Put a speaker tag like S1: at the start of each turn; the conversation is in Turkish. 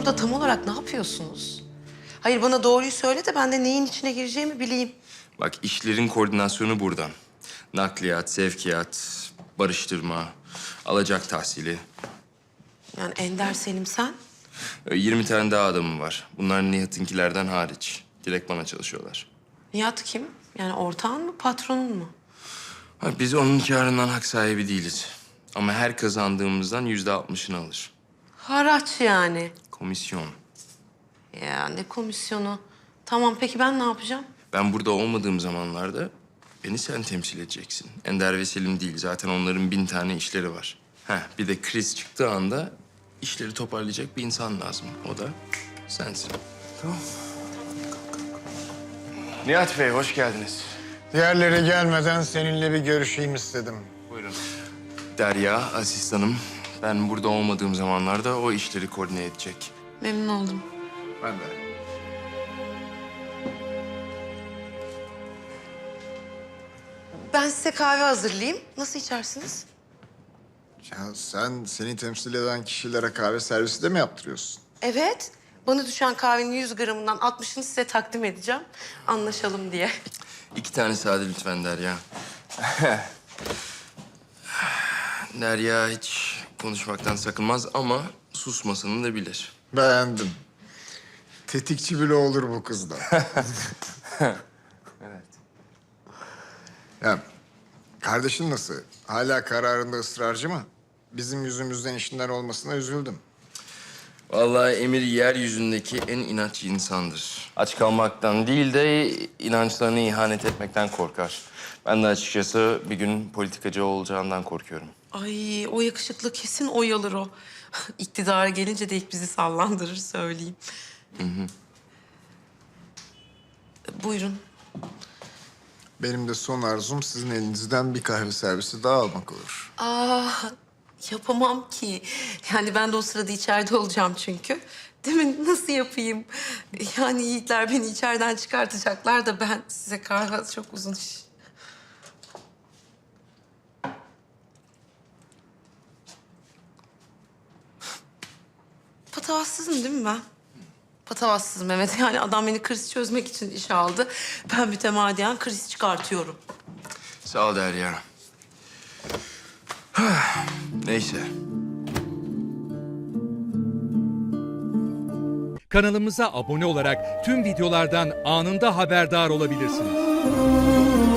S1: burada tam olarak ne yapıyorsunuz? Hayır, bana doğruyu söyle de ben de neyin içine gireceğimi bileyim.
S2: Bak, işlerin koordinasyonu buradan. Nakliyat, sevkiyat, barıştırma, alacak tahsili.
S1: Yani Ender, Selim, sen?
S2: 20 tane daha adamım var. Bunlar Nihat'ınkilerden hariç. Direkt bana çalışıyorlar.
S1: Nihat kim? Yani ortağın mı, patronun mu?
S2: Ha, biz onun kârından hak sahibi değiliz. Ama her kazandığımızdan %60'ını alır.
S1: Haraç yani.
S2: Komisyon.
S1: Ya ne komisyonu? Tamam, peki ben ne yapacağım?
S2: Ben burada olmadığım zamanlarda beni sen temsil edeceksin. Ender ve Selim değil. Zaten onların 1000 tane işleri var. Bir de kriz çıktığı anda işleri toparlayacak bir insan lazım. O da sensin. Tamam. Nihat Bey, hoş geldiniz.
S3: Diğerleri gelmeden seninle bir görüşeyim istedim.
S2: Buyurun. Derya, asistanım. Ben burada olmadığım zamanlarda o işleri koordine edecek.
S1: Memnun oldum.
S3: Ben de.
S1: Ben size kahve hazırlayayım. Nasıl içersiniz?
S3: Ya sen seni temsil eden kişilere kahve servisi de mi yaptırıyorsun?
S1: Evet. Bana düşen kahvenin 100 gramından 60'ını size takdim edeceğim. Anlaşalım diye.
S2: 2 tane sade lütfen Derya. Derya hiç konuşmaktan sakınmaz ama susmasını da bilir.
S3: Beğendim. Tetikçi bile olur bu kızda.
S2: Evet.
S3: Ya kardeşin nasıl? Hala kararında ısrarcı mı? Bizim yüzümüzden işinden olmasına üzüldüm.
S2: Vallahi Emir yeryüzündeki en inatçı insandır. Aç kalmaktan değil de inançlarına ihanet etmekten korkar. Ben de açıkçası bir gün politikacı olacağından korkuyorum.
S1: Ay, o yakışıklı kesin oy alır o. İktidara gelince de ilk bizi sallandırır, söyleyeyim. Buyurun.
S3: Benim de son arzum sizin elinizden bir kahve servisi daha almak olur.
S1: Yapamam ki. Yani ben de o sırada içeride olacağım çünkü. Değil mi? Nasıl yapayım? Yani yiğitler beni içeriden çıkartacaklar da ben size kahve çok uzun iş. Patavatsızım değil mi ben? Patavatsızım, evet. Yani adam beni kriz çözmek için işe aldı. Ben mütemadiyen kriz çıkartıyorum.
S2: Sağ ol Derya. Neyse.
S4: Kanalımıza abone olarak tüm videolardan anında haberdar olabilirsiniz.